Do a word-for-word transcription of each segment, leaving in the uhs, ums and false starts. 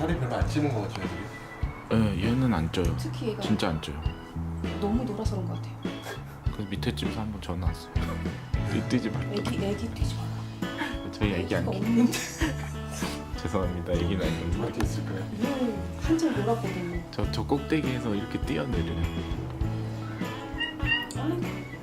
살이 별로 안 찌는 것 같아요, 애들이. 예, 얘는 안 쪄요. 특히 얘가 진짜 안 쪄요. 너무 놀아서 그런 것 같아요. 그래서 밑에 집에서 한번 전화 왔어요. 이 뛰지 말고. 애기 애기 뛰지 마라. 저희 애기 안 애기가 키. 없는데 죄송합니다. 애기는 아닌데. 어디 있을까요? 늘 한참 놀았거든요. 저, 저 꼭대기에서 이렇게 뛰어내려요. 아이고.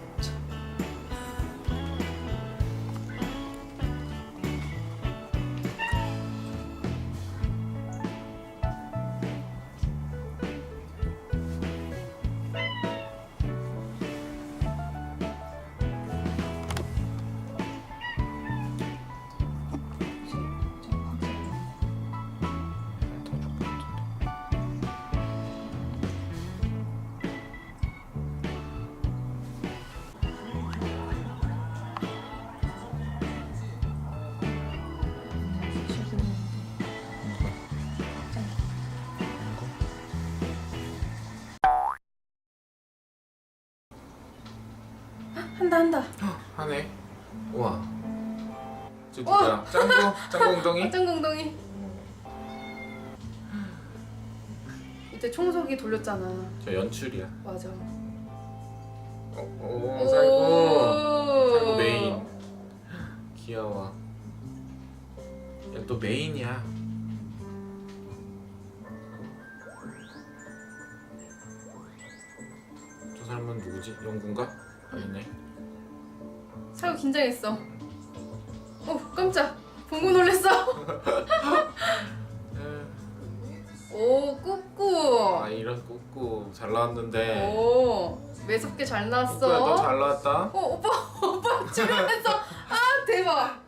한다 한다. 하네. 우와. 저 누구야? 짱구? 짱구 엉덩이? 짱공동이. 이때 청소기 돌렸잖아. 저 연출이야. 맞아. 어, 오, 살고. 살고 메인. 귀여워. 얘 또 메인이야. 저 사람은 누구지? 영구인가? 아니네. 살고 긴장했어. 어 깜짝. 보고 놀랬어. 오 꾸꾸. 아 이런 꾸꾸 잘 나왔는데. 오 매섭게 잘 꾸꾸야 나왔어. 너 잘 나왔다. 어 오빠 오빠 주면서 아 대박.